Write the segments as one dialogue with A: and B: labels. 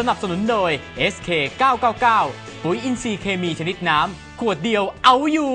A: นับสนุนโดย SK 999ปุ๋ยอินทรีย์เคมีชนิดน้ำขวดเดียวเอาอยู่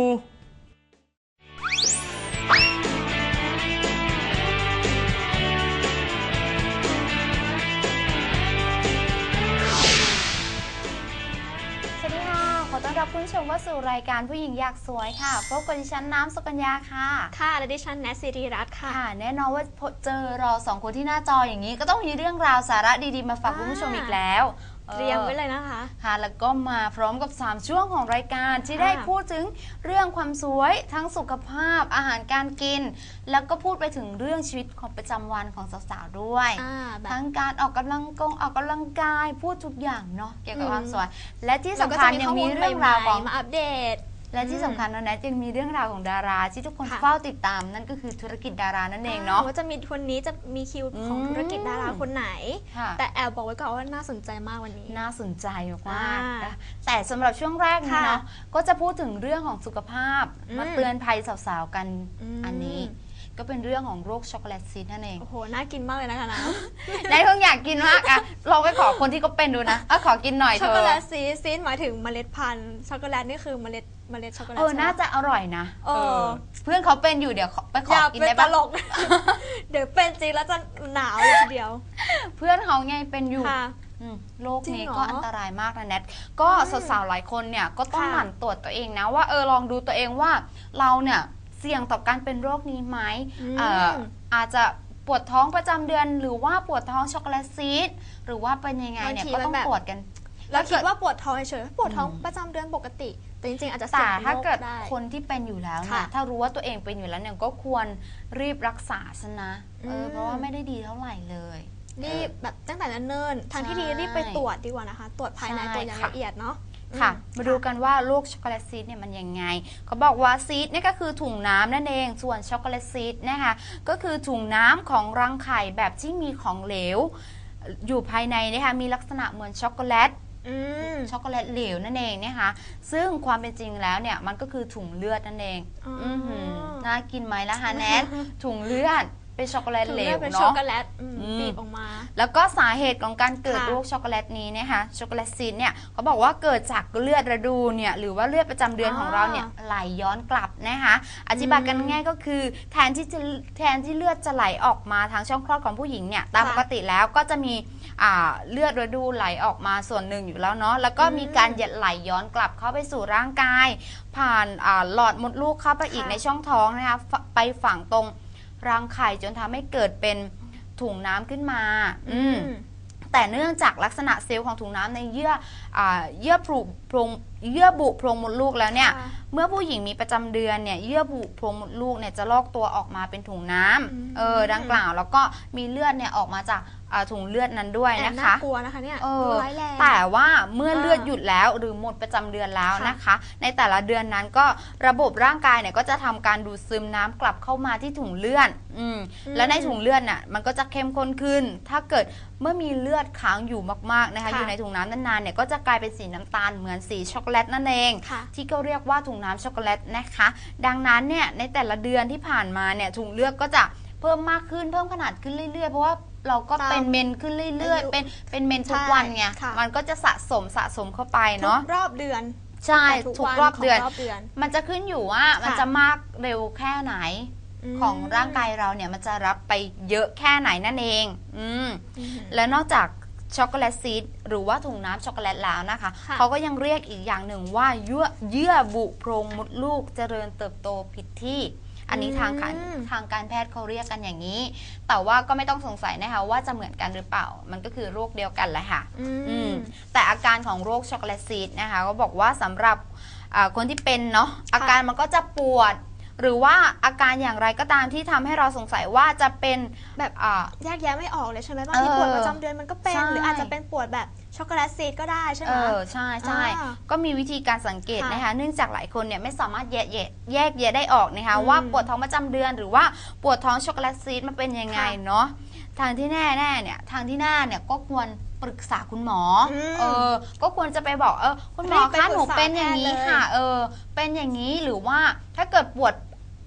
B: รับคุณผู้ชมว่าสู่รายการผู้หญิงอยากสวยค่ะพบกับดิฉันน้ำสุกัญญาค่ะ
C: ค่ะและดิฉันแนทสิริรัตน์ค่ะ
B: แน่นอนว่าเจอเราสองคนที่หน้าจออย่างนี้ก็ต้องมีเรื่องราวสาระดีๆมาฝากคุณผู้ชมอีกแล้ว
C: เตรียมไว้เลยนะคะ
B: ค่ะแล้วก็มาพร้อมกับ3ช่วงของรายการที่ได้พูดถึงเรื่องความสวยทั้งสุขภาพอาหารการกินแล้วก็พูดไปถึงเรื่องชีวิตของประจำวันของสาวๆด้วยทั้งการออกกำลังกายพูดทุกอย่างเนาะเกี่ยวกับความสวยและที่สำคัญยังมีเรื่องราวของ
C: มาอัปเดต
B: และที่สำคัญนะแนทยังมีเรื่องราวของดาราที่ทุกคนเฝ้าติดตามนั่นก็คือธุรกิจดารานั่นเองเนาะ
C: ว่าจะมีคนนี้จะมีคิวของธุรกิจดาราคนไหนแต่แอบบอกไว้ก่อนว่าน่าสนใจมากวันนี้
B: น่าสนใจมากแต่สำหรับช่วงแรกนี้เนาะก็จะพูดถึงเรื่องของสุขภาพมาเตือนภัยสาวๆกันอันนี้ก็เป็นเรื่องของโรคช็อกโกแลตซีดนั่นเอง
C: โอ้โหน่ากินมากเลยนะคะนะ
B: นายคงอยากกินมากอะลองไปขอคนที่เขาเป็นดูนะขอกินหน่อยเถอะ
C: ช็อกโกแลตซีดหมายถึงเมล็ดพันธุ์ช็อกโกแลตนี่คือเมล็ดช็อกโกแลต
B: น่าจะอร่อยนะเพื่อนเขาเป็นอยู่เดี๋ยวไปขอกินได้ปะ
C: เดี๋ยวเป็นจริงแล้วจะหนาวเลยทีเดียว
B: เพื่อนเขาไงเป็นอยู่โรคนี้ก็อันตรายมากนะแนทก็สาวๆหลายคนเนี่ยก็ต้องหมั่นตรวจตัวเองนะว่าลองดูตัวเองว่าเราเนี่ยเสี่ยงต่อการเป็นโรคนี้ไหมอาจจะปวดท้องประจำเดือนหรือว่าปวดท้องช็อกโกแลตซีดหรือว่าเป็นยังไงเนี่ยก็ต้องตรวจกัน
C: แล้วคิดว่าปวดท้องเฉยๆปวดท้องประจำเดือนปกติแต่จริงๆอาจจะ
B: แต่ถ้าเกิดคนที่เป็นอยู่แล้วเนี่ยถ้ารู้ว่าตัวเองเป็นอยู่แล้วเนี่ยก็ควรรีบรักษาซะนะเพราะว่าไม่ได้ดีเท่าไหร่เลย
C: รีบแบบตั้งแต่เนิ่นๆทางที่ดีรีบไปตรวจดีกว่านะคะตรวจภายในตัวอย่างละเอียดเนาะ
B: ค่ะมาดูกันว่าโรคช็อกโกแลตซีดเนี่ยมันยังไงเขาบอกว่าซีดนี่ก็คือถุงน้ำนั่นเองส่วนช็อกโกแลตซีดนะคะก็คือถุงน้ำของรังไข่แบบที่มีของเหลวอยู่ภายในนะคะมีลักษณะเหมือนช็อกโกแลตช็อกโกแลตเหลวนั่นเองนะคะซึ่งความเป็นจริงแล้วเนี่ยมันก็คือถุงเลือดนั่นเองน่ากินไหมล่ะฮะแนทถุงเลือดเป็นช็อกโกแลตเหลวเนาะ
C: ช็อกโกแลตบีบออกมา
B: แล้วก็สาเหตุของการเกิดโรคช็อกโกแลตนี้นะคะช็อกโกแลตซีดเนี่ยเขาบอกว่าเกิดจากเลือดฤดูเนี่ยหรือว่าเลือดประจำเดือนของเราเนี่ยไหลย้อนกลับนะคะอธิบายกันง่ายก็คือแทนที่เลือดจะไหลออกมาทางช่องคลอดของผู้หญิงเนี่ยตามปกติแล้วก็จะมีเลือดฤดูไหลออกมาส่วนหนึ่งอยู่แล้วเนาะแล้วก็มีการไหลย้อนกลับเข้าไปสู่ร่างกายผ่านหลอดมดลูกเข้าไปอีกในช่องท้องนะคะไปฝังตรงรังไข่จนทำให้เกิดเป็นถุงน้ำขึ้นมาแต่เนื่องจากลักษณะเซลล์ของถุงน้ำในเยื่อบุโพรงมดลูกแล้วเนี่ยเมื่อผู้หญิงมีประจำเดือนเนี่ยเยื่อบุโพรงมดลูกเนี่ยจะลอกตัวออกมาเป็นถุงน้ำดังกล่าวแล้วก็มีเลือดเนี่ยออกมาจากถุงเลือดนั้นด้วยนะคะ
C: น่ากลัวนะคะเนี่ยร้ายแรง
B: แต่ว่าเมื่อเลือดหยุดแล้วหรือหมดประจำเดือนแล้วนะคะในแต่ละเดือนนั้นก็ระบบร่างกายเนี่ยก็จะทำการดูดซึมน้ำกลับเข้ามาที่ถุงเลือดแล้วในถุงเลือดน่ะมันก็จะเข้มข้นขึ้นถ้าเกิดเมื่อมีเลือดค้างอยู่มากๆนะคะอยู่ในถุงน้ำนานๆเนี่ยก็จะกลายเป็นสีน้ำตาลเหมือนสีช็อกโกแลตนั่นเองที่ก็เรียกว่าถุงน้ำช็อกโกแลตนะคะดังนั้นเนี่ยในแต่ละเดือนที่ผ่านมาเนี่ยถุงเลือดก็จะเพิ่มมากขึ้นเพิ่มขนาดขึ้นเรื่อยๆเพราะว่าเราก็เป็นเมนขึ้นเรื่อยๆเป็นเมนทุกวันไงมันก็จะสะสมเข้าไปเนาะ
C: รอบเดือน
B: ใช่ทุกรอบเดือนมันจะขึ้นอยู่ว่ามันจะมากเร็วแค่ไหนของร่างกายเราเนี่ยมันจะรับไปเยอะแค่ไหนนั่นเองแล้วนอกจากช็อกโกแลตซีดหรือว่าถุงน้ำช็อกโกแลตแล้วนะคะเขาก็ยังเรียกอีกอย่างหนึ่งว่าเยื่อบุโพรงมดลูกเจริญเติบโตผิดที่อันนี้ทางการแพทย์เขาเรียกกันอย่างนี้แต่ว่าก็ไม่ต้องสงสัยนะคะว่าจะเหมือนกันหรือเปล่ามันก็คือโรคเดียวกันแหละค่ะแต่อาการของโรคช็อกโกแลตซีดนะคะก็บอกว่าสำหรับคนที่เป็นเนาะอาการมันก็จะปวดหรือว่าอาการอย่างไรก็ตามที่ทำให้เราสงสัยว่าจะเป็น
C: แบบแยกแยะไม่ออกเลยใช่ไหมบางทีปวดประจำเดือนมันก็เป็นหรืออาจจะเป็นปวดแบบช็อกโกแลตซีดก็ได้ใช่ไหม
B: ใช่ก็มีวิธีการสังเกตนะคะเนื่องจากหลายคนเนี่ยไม่สามารถแยกแยะได้ออกนะคะว่าปวดท้องประจำเดือนหรือว่าปวดท้องช็อกโกแลตซีดมันเป็นยังไงเนาะทางที่แน่เนี่ยทางที่หน้าเนี่ยก็ควรปรึกษาคุณหมอก็ควรจะไปบอกคุณหมอคะหนูเป็นอย่างนี้ค่ะเป็นอย่างนี้หรือว่าถ้าเกิดปวด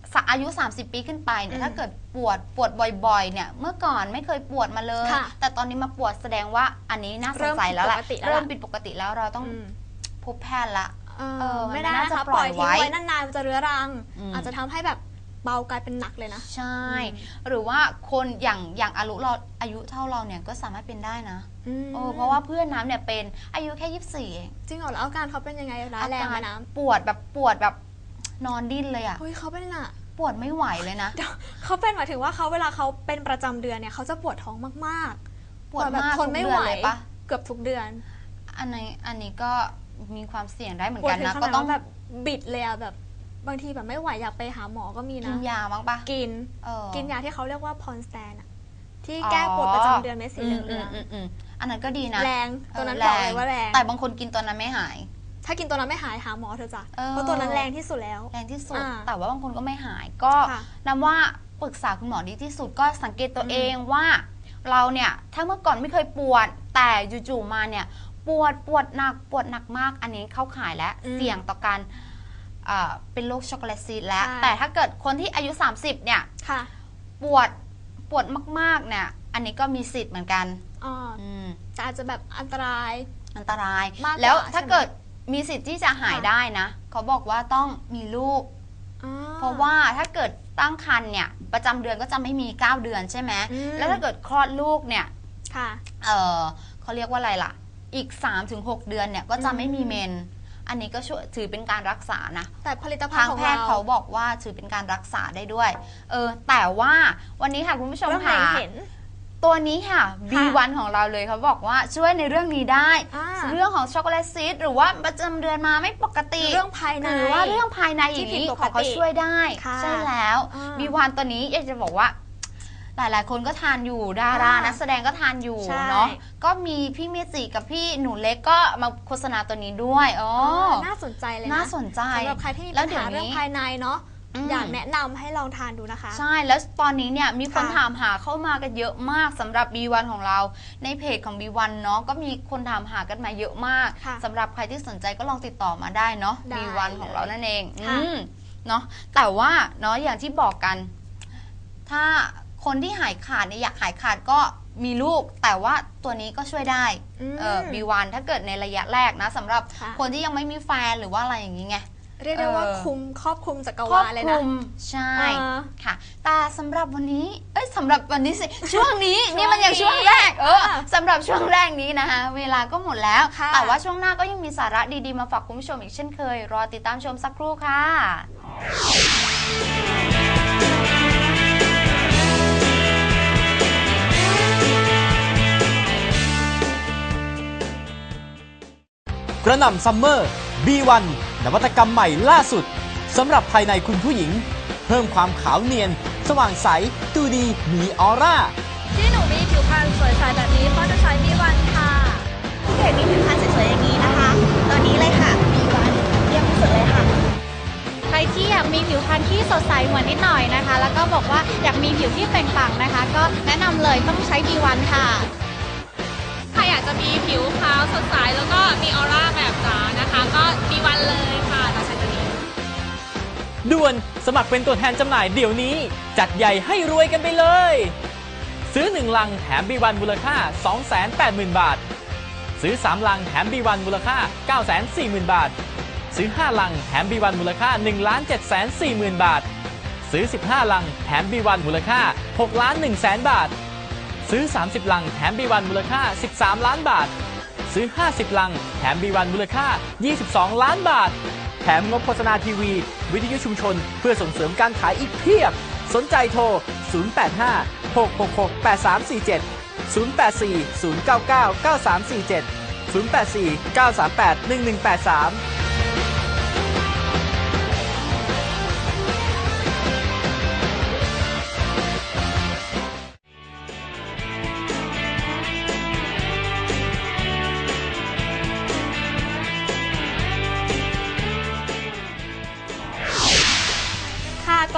B: อายุ 30 ปีขึ้นไปเนี่ยถ้าเกิดปวดบ่อยๆเนี่ยเมื่อก่อนไม่เคยปวดมาเลย แต่ตอนนี้มาปวดแสดงว่าอันนี้น่าสงสัยแล้วแหละเริ่มผิดปกติแล้วเราต้องพบแพทย์ละ
C: ไม่ได้นะคะปล่อยทิ้งไว้นานๆมันจะเรื้อรังอาจจะทำให้แบบเบากลายเป็นหนักเลยนะ
B: ใช่หรือว่าคนอย่างอายุเท่าเราเนี่ยก็สามารถเป็นได้นะเพราะว่าเพื่อนน้ำเนี่ยเป็นอายุแค่24เอง
C: จริงเหรอแล้วอาการเขาเป็นยังไงร้ายแรงไหมน้ำ
B: ปวดแบบนอนดิ้นเลยอ่ะ
C: เฮ้ยเขาเป็นอะ
B: ปวดไม่ไหวเลยนะ
C: เขาเป็นหมายถึงว่าเวลาเขาเป็นประจำเดือนเนี่ยเขาจะปวดท้องมาก
B: ๆปวดแบบ
C: ทนไม่ไหวปะเกือบทุกเดือน
B: อันนี้ก็มีความเสี่ยงได้เหมือนกันนะก็ต้อง
C: แบบบิดเลยอะแบบบางทีแบบไม่ไหวอยากไปหาหมอก็มีนะ
B: กินยาบ้างปะ
C: กินยาที่เขาเรียกว่าพอนสแตนอะที่แก้ปวดประจำเดือนเม็ดสีเหลือง
B: อันนั้นก็ดีนะ
C: แรงตัวนั้นบอกเลยว่าแรง
B: แต่บางคนกินตัวนั้นไม่หาย
C: ถ้ากินตัวนั้นไม่หายหาหมอเธอจ้ะเพราะตัวนั้นแรงที่สุดแล้ว
B: แรงที่สุดแต่ว่าบางคนก็ไม่หายก็นำว่าปรึกษาคุณหมอดีที่สุดก็สังเกตตัวเองว่าเราเนี่ยถ้าเมื่อก่อนไม่เคยปวดแต่จู่ๆมาเนี่ยปวดหนักมากอันนี้เข้าข่ายและเสี่ยงต่อการเป็นโรคช็อกโกแลตซีดแล้วแต่ถ้าเกิดคนที่อายุ30เนี่ยปวดมากๆเนี่ยอันนี้ก็มีสิทธิ์เหมือนกัน
C: แต่อาจจะแบบอันตราย
B: แล้วถ้าเกิดมีสิทธิ์ที่จะหายได้นะเขาบอกว่าต้องมีลูกเพราะว่าถ้าเกิดตั้งครรภ์เนี่ยประจำเดือนก็จะไม่มี9 เดือนใช่ไหมแล้วถ้าเกิดคลอดลูกเนี่ยเขาเรียกว่าอะไรล่ะอีก 3-6 เดือนเนี่ยก็จะไม่มีเมนอันนี้ก็ช่วยถือเป็นการรักษานะ
C: แต่ผลิตภัณฑ์ของ
B: แพทย์เขาบอกว่าถือเป็นการรักษาได้ด้วยแต่ว่าวันนี้ค่ะคุณผู้ชมค่ะตัวนี้ค่ะ B1 ของเราเลยเขาบอกว่าช่วยในเรื่องนี้ได้เรื่องของช็อกโกแลตซีดหรือว่าประจำเดือนมาไม่ปกติ
C: เรื่องภายใน
B: หรือว่าเรื่องภายในอย่างนี้เขาช่วยได้ใช่แล้ว B1 ตัวนี้อยากจะบอกว่าหลายๆคนก็ทานอยู่ดารานักแสดงก็ทานอยู่เนาะก็มีพี่เมจิกับพี่หนูเล็กก็มาโฆษณาตัวนี้ด้วย
C: น่าสนใจเลยนะ
B: น่าสนใจ
C: สำหรับใครที่มีปัญหาเรื่องภายในเนาะอยากแนะนำให้ลองทานดูนะคะ
B: ใช่แล้วตอนนี้เนี่ยมีคนถามหาเข้ามากันเยอะมากสำหรับ B1 ของเราในเพจของ B1 เนาะก็มีคนถามหากันมาเยอะมากสำหรับใครที่สนใจก็ลองติดต่อมาได้เนาะ B1 ของเรานั่นเองเนาะแต่ว่าเนาะอย่างที่บอกกันถ้าคนที่หายขาดเนี่ยอยากหายขาดก็มีลูกแต่ว่าตัวนี้ก็ช่วยได้B1 ถ้าเกิดในระยะแรกนะสำหรับคนที่ยังไม่มีแฟนหรือว่าอะไรอย่างนี้ไง
C: เรียกได้ว่าครอบคลุมจักรวาลเลยนะ
B: ใช่ค่ะแต่สำหรับวันนี้สำหรับวันนี้สิช่วงนี้นี่มันอย่างช่วงแรกสำหรับช่วงแรกนี้นะคะเวลาก็หมดแล้วแต่ว่าช่วงหน้าก็ยังมีสาระดีๆมาฝากคุณผู้ชมอีกเช่นเคยรอติดตามชมสักครู่ค่ะ
A: กระหน่ำซัมเมอร์ B1 นวัตกรรมใหม่ล่าสุดสำหรับภายในคุณผู้หญิงเพิ่มความขาวเนียนสว่างใสดูดีมีออร่า
D: ที่หนูมีผิวพรรณสวยใสแบบนี้เพราะจะใช้ B1 ค่ะ
E: ที่เห็นมีผิวพรรณสวยๆอย่างนี้นะคะตอนนี้เลยค่ะ B1 เยี่ยมที่สุดเลยค่ะ
D: ใครที่อยากมีผิวพรรณที่สดใสเหมือนนิดหน่อยนะคะแล้วก็บอกว่าอยากมีผิวที่เปล่งปลั่งนะคะก็แนะนำเลยต้องใช้ B1 ค่ะ
F: ใครอยากจะมีผิวขาวสดใสแล้วก็มีออร่าแบบจ๋านะคะก็ B1 เลยค่ะเราใช้ตัวนี้
A: ด่วนสมัครเป็นตัวแทนจำหน่ายเดี๋ยวนี้จัดใหญ่ให้รวยกันไปเลยซื้อ1ลังแถม B1 มูลค่า 280,000 บาทซื้อ3ลังแถม B1 มูลค่า 940,000 บาทซื้อ5ลังแถม B1 มูลค่า 1,740,000 บาทซื้อ15ลังแถม B1 มูลค่า 6,100,000 บาทซื้อ30ลังแถม B1 มูลค่า13ล้านบาทซื้อ50ลังแถม B1 มูลค่า22ล้านบาทแถมงบโฆษณาทีวีวิทยุชุมชนเพื่อส่งเสริมการขายอีกเพียบสนใจโทร085 666 8347 084 099 9347 084 938 1183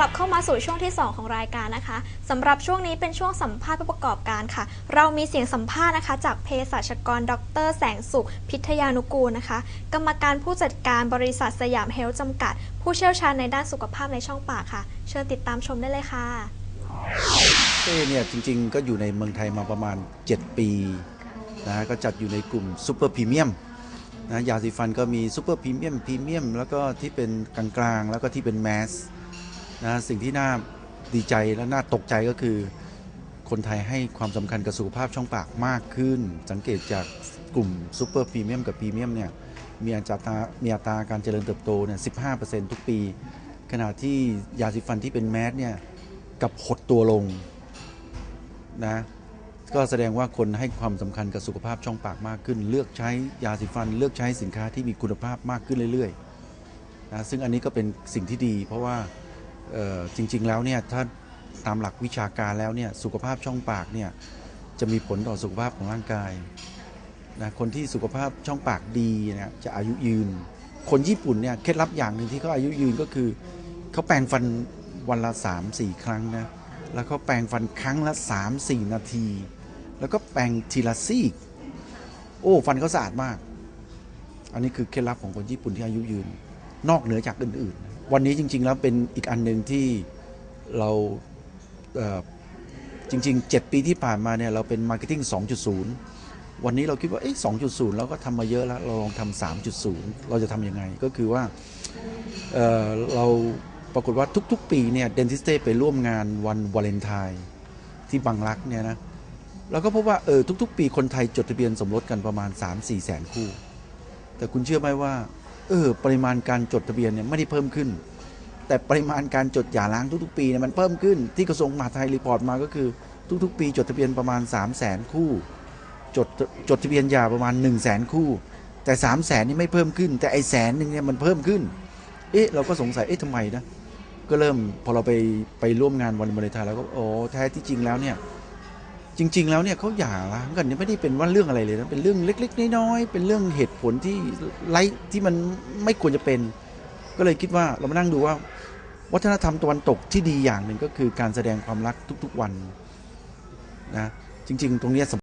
C: ลับเข้ามาสู่ช่วงที่ 2 ของรายการนะคะสำหรับช่วงนี้เป็นช่วงสัมภาษณ์ผู้ประกอบการค่ะเรามีเสียงสัมภาษณ์นะคะจากเภสัชกรดร.แสงสุขพิทยานุกูลนะคะกรรมการผู้จัดการบริษัทสยามเฮลท์จำกัดผู้เชี่ยวชาญในด้านสุขภาพในช่องปากค่ะเชิญติดตามชมได้เลยค่ะ
G: เนี่ยจริงๆก็อยู่ในเมืองไทยมาประมาณ7 ปีนะก็จัดอยู่ในกลุ่มซูเปอร์พรีเมียมนะยาสีฟันก็มีซูเปอร์พรีเมียมแล้วก็ที่เป็นกลางๆแล้วก็ที่เป็นแมสนะสิ่งที่น่าดีใจและน่าตกใจก็คือคนไทยให้ความสำคัญกับสุขภาพช่องปากมากขึ้นสังเกตจากกลุ่มซูเปอร์พรีเมียมกับพรีเมียมเนี่ยมีอัตราการเจริญเติบโตเนี่ย 15% ทุกปีขณะที่ยาสีฟันที่เป็นแมสเนี่ยกับหดตัวลงนะก็แสดงว่าคนให้ความสำคัญกับสุขภาพช่องปากมากขึ้นเลือกใช้ยาสีฟันเลือกใช้สินค้าที่มีคุณภาพมากขึ้นเรื่อยๆนะซึ่งอันนี้ก็เป็นสิ่งที่ดีเพราะว่าจริงๆแล้วเนี่ยถ้าตามหลักวิชาการแล้วเนี่ยสุขภาพช่องปากเนี่ยจะมีผลต่อสุขภาพของร่างกายนะคนที่สุขภาพช่องปากดีเนี่ยจะอายุยืนคนญี่ปุ่นเนี่ยเคล็ดลับอย่างหนึ่งที่เขาอายุยืนก็คือเขาแปรงฟันวันละ 3-4 ครั้งนะแล้วก็แปรงฟันครั้งละ 3-4 นาทีแล้วก็แปรงทีละซี่โอ้ฟันเขาสะอาดมากอันนี้คือเคล็ดลับของคนญี่ปุ่นที่อายุยืนนอกเหนือจากอื่นๆวันนี้จริงๆแล้วเป็นอีกอันหนึ่งที่เราจริงๆ7 ปีที่ผ่านมาเนี่ยเราเป็น Marketing 2.0 วันนี้เราคิดว่า2.0 เราก็ทำมาเยอะแล้วเราลองทำ 3.0 เราจะทำยังไงก็คือว่าเราปรากฏว่าทุกๆปีเนี่ยเดนทิสเต้ไปร่วมงานวันวาเลนไทน์ที่บางรักเนี่ยนะเราก็พบว่าทุกๆปีคนไทยจดทะเบียนสมรสกันประมาณ 3-4 แสนคู่แต่คุณเชื่อไหมว่าปริมาณการจดทะเบียนเนี่ยไม่ได้เพิ่มขึ้นแต่ปริมาณการจดหย่าร้างทุกๆปีเนี่ยมันเพิ่มขึ้นที่กระทรวงมหาดไทยรีพอร์ตมาก็คือทุกๆปีจดทะเบียนประมาณ 300,000 คู่จดทะเบียนหย่าประมาณ 100,000 คู่แต่ 300,000 นี่ไม่เพิ่มขึ้นแต่ไอ้100,000เนี่ยมันเพิ่มขึ้นเราก็สงสัยทำไมนะก็เริ่มพอเราไปร่วมงานวันวาเลนไทน์แล้วก็แท้ที่จริงแล้วเนี่ยจริงๆแล้วเนี่ยเขาหย่าร้างกันเนี่ยไม่ได้เป็นว่าเรื่องอะไรเลยนะเป็นเรื่องเล็กๆน้อยๆเป็นเรื่องเหตุผลที่มันไม่ควรจะเป็นก็เลยคิดว่าเรามานั่งดูว่าวัฒนธรรมตะวันตกที่ดีอย่างหนึ่งก็คือการแสดงความรักทุกๆวันนะจริงๆตรงนี้